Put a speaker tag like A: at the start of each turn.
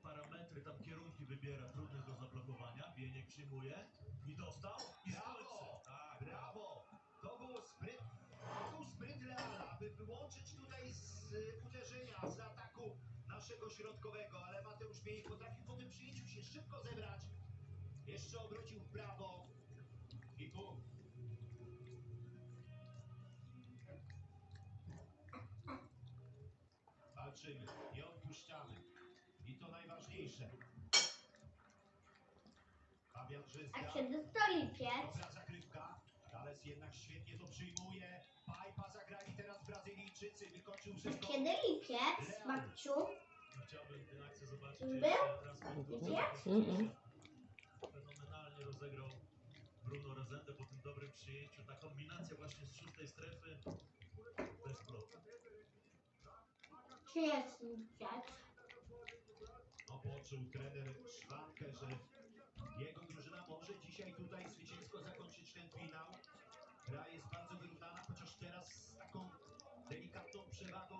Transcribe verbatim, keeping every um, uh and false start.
A: parametry, tam kierunki wybiera, trudne do zablokowania. Bieniek przyjmuje i dostał. I
B: Brawo!
A: tak,
B: Brawo! To był spryt, to był spryt Reala, aby wyłączyć tutaj z y, uderzenia, z ataku naszego środkowego, ale Mateusz Bieniek potrafił po tym przyjęciu się szybko zebrać. Jeszcze obrócił w prawo i bum. Walczymy, nie odpuszczamy. I to najważniejsze. Fabian Żyzga.
C: A się dostali piec.
B: Dobra zagrywka. Gales jednak świetnie to przyjmuje. Pajpa zagrali teraz Brazylijczycy. Wykończył Żyzgo.
C: Kiedy lipiec, babciu?
A: Chciałbym tę akcję zobaczyć.
C: Był?
A: jeszcze raz.
C: Lipiec?
D: Mm-mm.
A: Fenomenalnie rozegrał Bruno Rezende po tym dobrym przyjęciu. Ta kombinacja właśnie z szóstej strefy to jest blok.
C: Czy jest lipiec?
B: No, poczuł trener Szwankę, że jego drużyna może dzisiaj tutaj zwycięsko zakończyć ten finał. Gra jest bardzo wyrównana, chociaż teraz z taką delikatną przewagą.